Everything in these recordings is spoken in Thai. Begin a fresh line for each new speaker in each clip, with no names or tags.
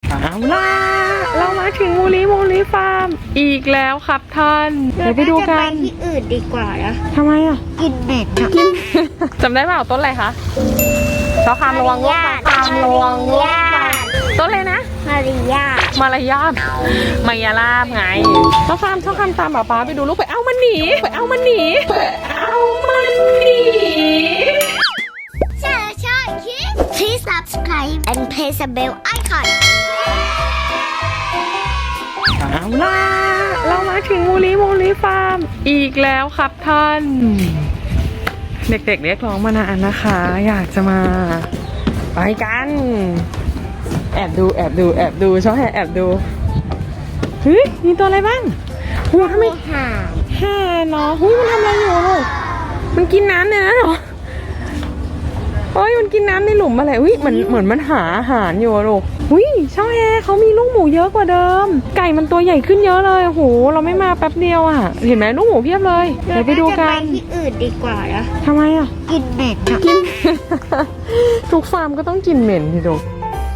เอาล่ะเรามาถึงมูลิฟาร์มอีกแล้วครับท่านเดี๋ยวไปดูกัน
ที่อื่นดีกว่านะ
ทำไมอ่ะ
กินเบ็ด
กิน จำได้เปล่าต้นอะไรคะชอคามระวังลูกค่ะคามระวังลูกค่ะต้นเลยนะ
มารยาท
มายาลาบไงชอคามตามป๊าไปดูลูกไปเอามันหนีเอามันหนี
ใช่คิด Please subscribe and press the bell icon
เอาล่ะเรามาถึงมูลิฟาร์มอีกแล้วครับท่านเด็กๆเรียกร้องมานานนะคะอยากจะมาไปกันแอบดูชอบแอบดูเฮ้ยมีตัวอะไรบ้างโหทำไมห่าเนาะเฮ้ยมันทำอะไรอยู่ลูกมันกินน้ำเนี่ยนะเหรอเฮ้ยมันกินน้ำในหลุมอะไรอุ้ยเหมือนมันหาอาหารอยู่ลูกอุ้ยช่องแอร์เขามีลูกหมูเยอะกว่าเดิมไก่มันตัวใหญ่ขึ้นเยอะเลยโหเราไม่มาแป๊บเดียวอ่ะเห็นไหมลูกหมูเพียบเลยเดี๋ยวไปดูกัน
ที่อื่นดีกว่านะ
ทำไมอ่ะ
กินเบ็ด
กิน ทุกฟาร์มก็ต้องกินเหม็นทีเดียว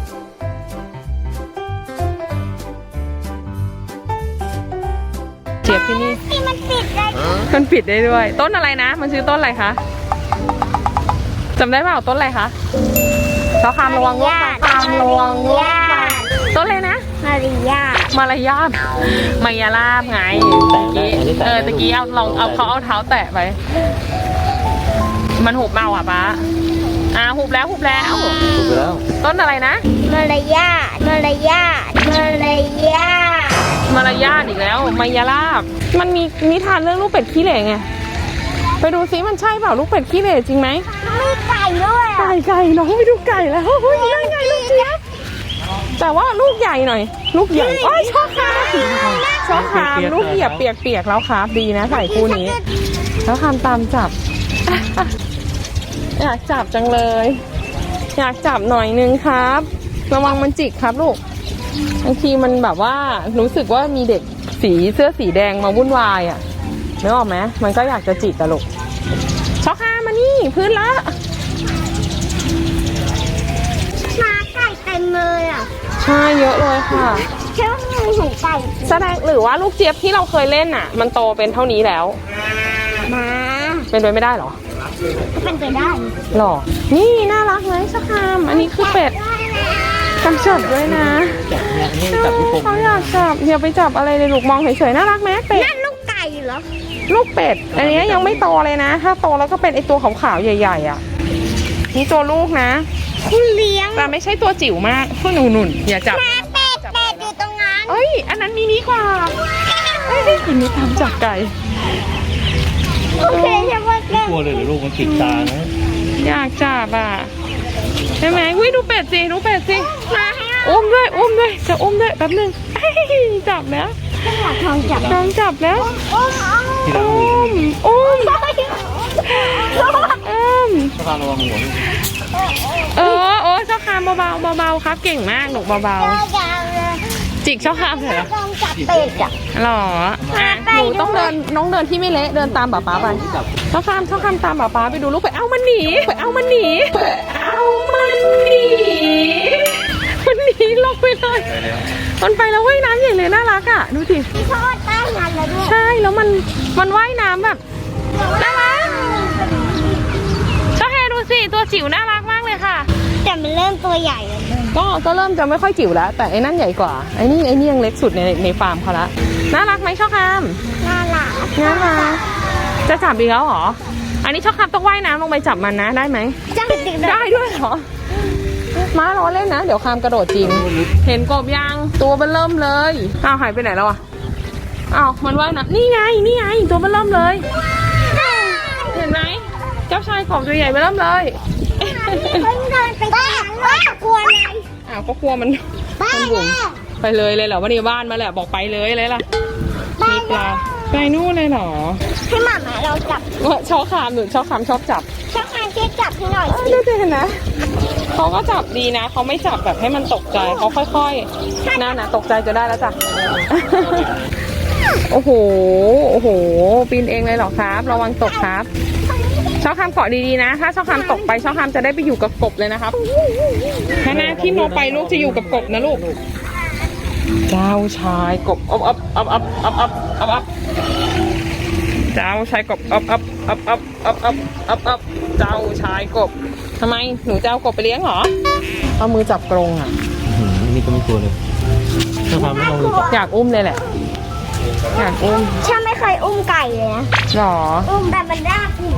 เจี๊ยบที่นี่
มันปิดได้
ด้วย ต้นอะไรนะมันชื่อต้นอะไรคะจำได้เปล่าต้นอะไรคะชอคามระวังลูกค่ะคามระวังลูกค่ะต้นเลยนะ
มารยาท
มายาลาบไงตะกี้เอาเขาเอาเท้าแตะไปมันหุบเมาอ่ะป๊าหุบแล้วต้นอะไรนะ
มารยาทอีก
แล้วมายาลาบมันมีนิทานเรื่องลูกเป็ดขี้เหร่ไงไปดูซิมันใช่เปล่าลูกเป็ดขี้เหร่จริงไหม
มีไก่ด้วย
ไก่น้องไปดูไก่แล้วเฮ้ยได้ไงลูกเจี๊ยบแต่ว่าลูกใหญ่หน่อยลูกใหญ่โอ้ยชอบคามลูกเหยียบเปียกแล้วครับดีนะใส่คู่นี้แล้วคามตามจับอยากจับจังเลยอยากจับหน่อยนึงครับระวังมันจิกครับลูกบางทีมันแบบว่ารู้สึกว่ามีเด็กเสื้อสีแดงมาวุ่นวายอ่ะนึกออกไหมมันก็อยากจะจิกตลกช็อกคามานี่พื้นละ
มาไก่เต็มเลยอ่ะ
ใช่เยอะเลยค่ะ
เชื่อมือของไก่
แสดงหรือว่าลูกเจี๊ยบที่เราเคยเล่นอ่ะมันโตเป็นเท่านี้แล้ว
มา
เป็นไปไม่ได้หรอ
เป็นไปได้
หรอนี่น่ารักไหมช็อกคามอันนี้คือเป็ดกำจับด้วยนะเขาอยากจับอย่าไปจับอะไรเลยลูกมองเฉยๆน่ารักไหมเป็ด
นั่นลูกไก่เหรอ
ลูกเป็ดอันนี้ยังไม่โตเลยนะถ้าโตแล้วก็เป็นไอตัวขาวๆใหญ่ๆอ่ะนี่ตัวลูกนะ
คุณเลี้ยง
แต่ไม่ใช่ตัวจิ๋วมากพวกหนุ่นอย่าจับ
เป็ดอยู่ตรงนั้น
เอ้ยอันนั้นมินิกว่ากินนี่ทำจากไก่
โอเคใช่ไหม
กลัวเลยหรือลูกมันติดตานะ
อยากจับอ่ะใช่ไหมวิดูเป็ดสิ
มาให้
อุ้มด้วยจะอุ้มด้วยแป๊บนึงจับแล้ว
ลองจับ
แล้วอุ้ม
ชอคามระวังหัว
ชอคามเบาครับเก่งมากหนูเบาจิกชอคามเหรอ
ลองจับเป็ดอ่ะ
หรอหนูต้องเดินที่ไม่เละเดินตามป๊าไปชอคามตามป๊าไปดูลูกไปเอามันหนีมันหนีลงไปเลยมันไปแล้วว่ายน้ำใหญ่เลยน่ารักอ่ะดูสิ
ชอบใต้น้ำแล้วด้วย
ใช่แล้วมันว่ายน้ำแบบน่ารักชอบแฮดูสิตัวจิ๋วน่ารักมากเลยค่ะ
แต่มันเริ่มตัวใหญ่แล้ว
ก็เริ่มจะไม่ค่อยจิ๋วแล้วแต่ไอ้นั่นใหญ่กว่าไอ้นี่ยังเล็กสุดในฟาร์มเขาละน่ารักไหมชอบคาม
น่ารัก
จะจับอีกแล้วเหรออันนี้ชอบคามต้องว่ายน้ำลงไปจับมันนะได้ไหมได้ด้วยเหรอม้าล้อเล่นนะเดี๋ยวคามกระโดดจริงเห็นกบยังตัวมันเริ่มเลยหายไปไหนแล้วอ่ะมันว่ายน้ำนี่ไงตัวมันเริ่มเลยเห็นไหมเจ้าชายกบตัวใหญ่ไปเริ่มเลย
เดินไปบ้านกลัวอะไร
ก็กลัวมันบุ๋มไปเลยเหรอวันนี้บ้านมาแหละบอกไปเลยล่ะมีปลาไปนู่นเลยเหรอ
ให้หมาเราจับ
ชอบคามชอบคามชอบจับ
ช่วยจับให้หน่อย
ดูสิเห็นนะเขาก็จับดีนะเขาไม่จับแบบให้มันตกใจเขาค่อยๆน่าตกใจจะได้แล้วจ้ะโอ้โหปีนเองเลยเหรอครับระวังตกครับชอบคามเกาะดีๆนะถ้าชอบคามตกไปชอบคามจะได้ไปอยู่กับกบเลยนะครับถ้าหน้าที่โนไปลูกจะอยู่กับกบนะลูกเจ้าชายกบอับเจ้าชายกบอับเจ้าชายกบทำไมหนูจะเอากบไปเลี้ยงเหรอเอามือจับกรงอ่ะ
นี่ก็ไม่กลัวเลยถ้าพาไม่ลองเลย
อยากอุ้มเลยแหละอยากอุ้ม
ฉันไม่เคยอุ้มไก่เลยนะ
หรอ
อุ้มแต่มันน่ากลัว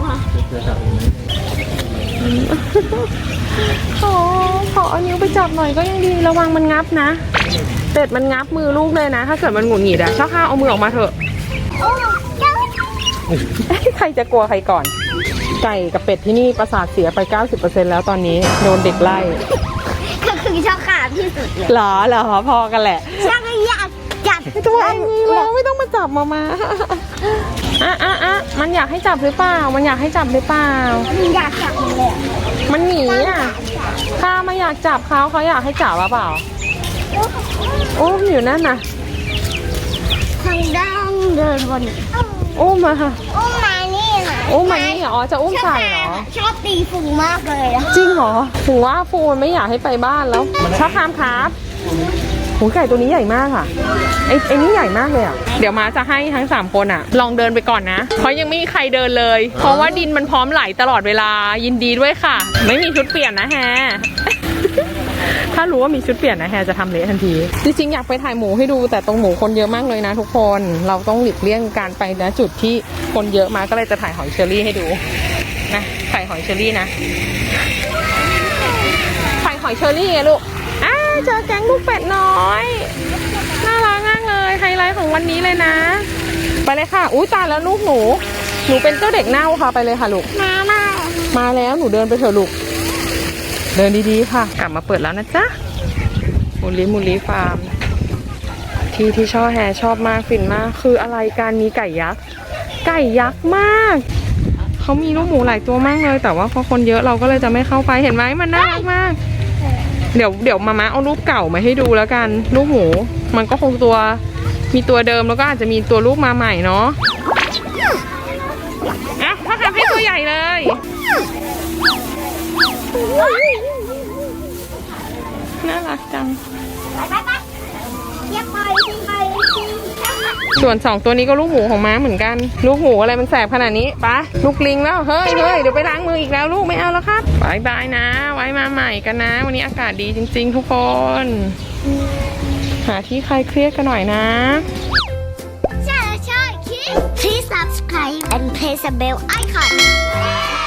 ขอเอานิ้วไปจับหน่อยก็ยังดีระวังมันงับนะเป็ดมันงับมือลูกเลยนะถ้าเกิดมันหงุดหงิดอะช่อข้าวเอามือออกมาเถอะ
โอ้เจ้า
ใครจะกลัวใครก่อน ไก่กับเป็ดที่นี่ประสาทเสียไป 90% แล้วตอนนี้โดนเด็กไล่
ก็คือชอบขาดที่สุดเลย
หรอพอกันแหละ
ฉันก็อยากจับ
ตัวเองมีแล้วไม่ต้องมาจับมามันอยากให้จับหรือเปล่ามันอยากให้จับหรือเปล่า
อยากจับเลย
มันหนีอ่ะข้าไม่อยากจับเขาอยากให้จับหรือเปล่าโอ้อยู่นั่นน่ะ
ทางด้านเดินบน
อุ้มมาค่ะ
อุ้มมานี่ค่ะ
อุ้มมานี่เหรอจะอุ้มใส่เหรอ
ชอบตีฝูงมากเลยอะ
จริงเหรอถึงว่าฟูมันไม่อยากให้ไปบ้านแล้วชอบคามครับหูไก่ตัวนี้ใหญ่มากค่ะไอ้นี่ใหญ่มากเลยอ่ะเดี๋ยวมาจะให้ทั้ง3คนอ่ะลองเดินไปก่อนนะเพราะยังไม่มีใครเดินเลย เพราะว่าดินมันพร้อมไหลตลอดเวลายินดีด้วยค่ะ ไม่มีชุดเปลี่ยนนะแฮ ถ้ารู้ว่ามีชุดเปลี่ยนนะแฮจะทำเละทันทีจริงๆอยากไปถ่ายหมูให้ดูแต่ตรงหมูคนเยอะมากเลยนะทุกคนเราต้องหลีกเลี่ยงการไปณจุดที่คนเยอะมาก็เลยจะถ่ายหอยเชอรี่ให้ดูนะถ่ายหอยเชอรี่นะถ่ายหอยเชอรี่ไงลูกเจอแก๊งลูกเป็ดน้อยน่ารักมากเลยไฮไลท์ของวันนี้เลยนะไปเลยค่ะอุ้ยตายแล้วลูกหนูเป็นเจ้าเด็กเน่าค่ะไปเลยค่ะลูกมาแล้วหนูเดินไปเถอะลูกเดินดีๆค่ะกลับมาเปิดแล้วนะจ๊ะมูลีฟาร์มที่ช่อแฮชอบมากฟินมากคืออะไรการมีไก่ยักษ์มากเขามีลูกหมูหลายตัวมากเลยแต่ว่าพอคนเยอะเราก็เลยจะไม่เข้าไปเห็นไหมมันน่ารักมากเดี๋ยวมาเอารูปเก่ามาให้ดูแล้วกันลูกหมูมันก็คงมีตัวเดิมแล้วก็อาจจะมีตัวลูกมาใหม่เนาะพ่อทำให้ตัวใหญ่เลยน่ารักจังส่วน2ตัวนี้ก็ลูกหมูของม้าเหมือนกันลูกหมูอะไรมันแสบขนาดนี้ปะลูกลิงแล้วเฮ้ยเดี๋ยวไปล้างมืออีกแล้วลูกไม่เอาแล้วครับบายนะไว้มาใหม่กันนะวันนี้อากาศดีจริงๆทุกคนหาที่คลายเครียดกันหน่อยนะ
ใช่คิด Please subscribe and press the bell icon